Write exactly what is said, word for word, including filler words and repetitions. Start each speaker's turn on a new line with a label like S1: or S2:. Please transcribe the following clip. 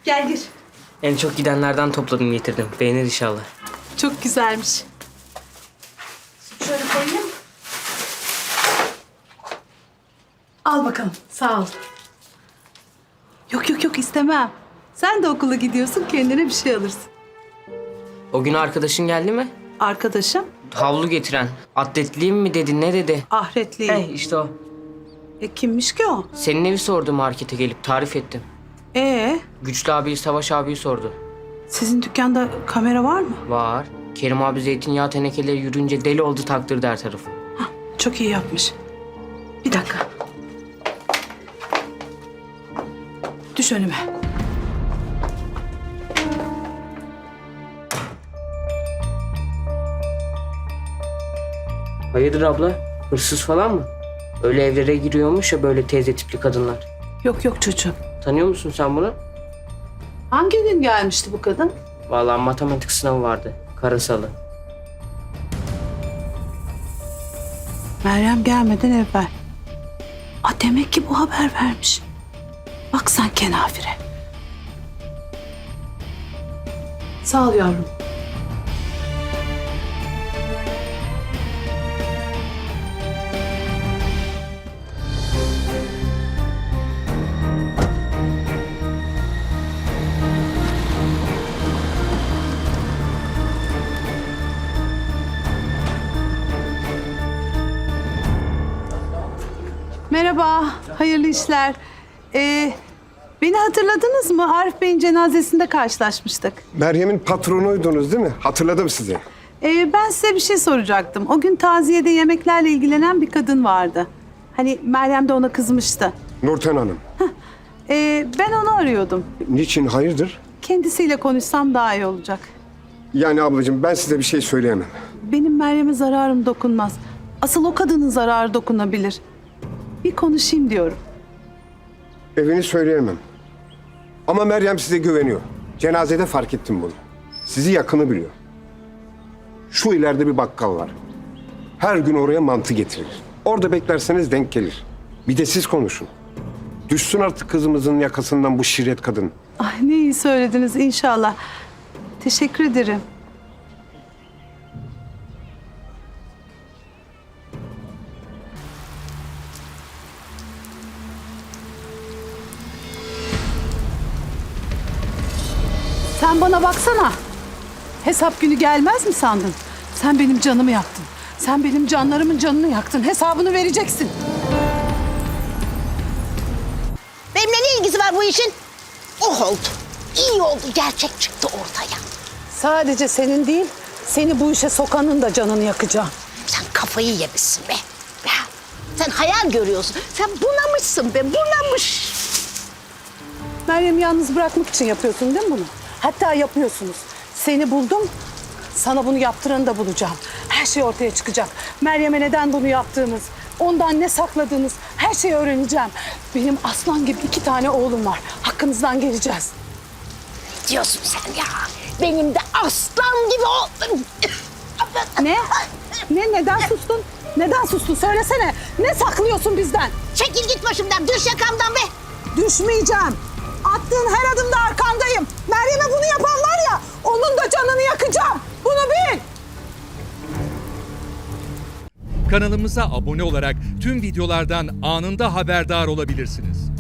S1: Gel gir.
S2: En çok gidenlerden topladım getirdim. Beğenir inşallah.
S1: Çok güzelmiş. Şöyle koyayım. Al bakalım. Sağ ol. Yok yok yok istemem. Sen de okula gidiyorsun, kendine bir şey alırsın.
S2: O gün arkadaşın geldi mi?
S1: Arkadaşım
S2: Havlu getiren. Atletliyim mi dedi, ne dedi?
S1: Ahretli.
S2: He işte o.
S1: E kimmiş ki o?
S2: Senin evi sordu markete gelip, tarif ettim.
S1: Ee,
S2: Güçlü abiyi, Savaş abiyi sordu.
S1: sizin dükkanda kamera var mı?
S2: Var. Kerim abi zeytinyağı tenekeleri yürüyünce deli oldu, taktırdı her tarafı.
S1: Hah, çok iyi yapmış. Bir dakika. Düş önüme.
S2: Hayırdır abla? Hırsız falan mı? Öyle evlere giriyormuş ya böyle teyze tipli kadınlar.
S1: Yok yok çocuğum.
S2: Tanıyor musun sen bunu?
S1: Hangi gün gelmişti bu kadın?
S2: Vallahi matematik sınavı vardı. Karasalı.
S1: Meryem gelmeden evvel. Aa, demek ki bu haber vermiş. Bak sen kenafire. Sağ ol yavrum. Merhaba, hayırlı işler. Ee, beni hatırladınız mı? Arif Bey'in cenazesinde karşılaşmıştık.
S3: Meryem'in patronuydunuz değil mi? Hatırladım sizi.
S1: Ee, ben size bir şey soracaktım. O gün taziyede yemeklerle ilgilenen bir kadın vardı. Hani Meryem de ona kızmıştı.
S3: Nurten Hanım.
S1: Ee, ben onu arıyordum.
S3: Niçin, hayırdır?
S1: Kendisiyle konuşsam daha iyi olacak.
S3: Yani ablacığım ben size bir şey söyleyemem.
S1: Benim Meryem'e zararım dokunmaz. Asıl o kadının zararı dokunabilir. Bir konuşayım diyorum.
S3: Evini söyleyemem. Ama Meryem size güveniyor. Cenazede fark ettim bunu. Sizi yakını biliyor. Şu ileride bir bakkal var. Her gün oraya mantı getirir. Orada beklerseniz denk gelir. Bir de siz konuşun. Düşsün artık kızımızın yakasından bu şirret kadın.
S1: Ay ne iyi söylediniz inşallah. Teşekkür ederim. Sen bana baksana. Hesap günü gelmez mi sandın? Sen benim canımı yaktın. Sen benim canlarımın canını yaktın. Hesabını vereceksin.
S4: Benimle ne ilgisi var bu işin? Oh oldu. İyi oldu. Gerçek çıktı ortaya.
S1: Sadece senin değil, seni bu işe sokanın da canını yakacağım.
S4: Sen kafayı yemişsin be. Ya, sen hayal görüyorsun. Sen bunamışsın be. Bunamış.
S1: Meryem'i yalnız bırakmak için yapıyorsun değil mi bunu? Hatta yapıyorsunuz. Seni buldum, sana bunu yaptıranı da bulacağım. Her şey ortaya çıkacak. Meryem'e neden bunu yaptığınız, ondan ne sakladığınız her şeyi öğreneceğim. Benim aslan gibi iki tane oğlum var. Hakkınızdan geleceğiz.
S4: Ne diyorsun sen ya? Benim de aslan gibi oğlum.
S1: Ne? Ne? Neden sustun? Neden sustun? Söylesene. Ne saklıyorsun bizden?
S4: Çekil git başımdan. Düş yakamdan be.
S1: Düşmeyeceğim. Attığın her adımda arkandayım. Meryem'e bunu yapan var ya, onun da canını yakacağım. Bunu bil.
S5: Kanalımıza abone olarak tüm videolardan anında haberdar olabilirsiniz.